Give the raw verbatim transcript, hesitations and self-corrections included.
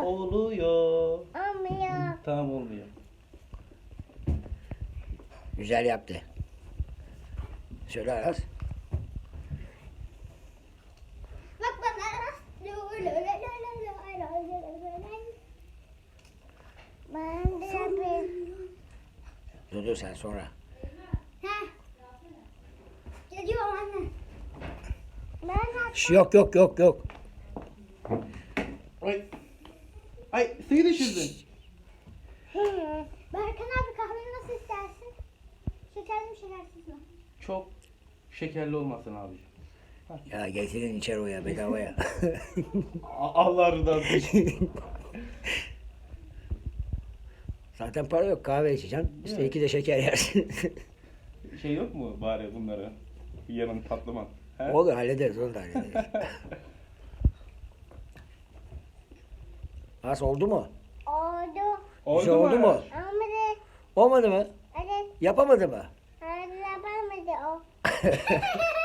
Oluyor. Olmuyor. Tamam olmuyor. Güzel yaptı. Söyle Aras. Bak bana. Ben de yapayım. Dur dur sen sonra. Heh. Geliyorum anne. Ben Şş, yok yok yok yok. Ay. Ay suyu düşürdün. Hı. Berkan abi kahveni nasıl istersin? Şekerli mi şekersiz mi? Çok şekerli olmasın abi. Ya getirin içeri o ya bedavaya. Allah rızası için. Zaten para yok kahve içeceksin. İşte Evet. iki de şeker yersin. Şey yok mu bari bunlara? Yanın tatlıman. He? Olur hallederiz onu da hallederiz. Nasıl oldu mu? Oldu. Güzel oldu mu? Aras? Olmadı. Olmadı mı? Evet. Yapamadı mı? Hala yapamadı o.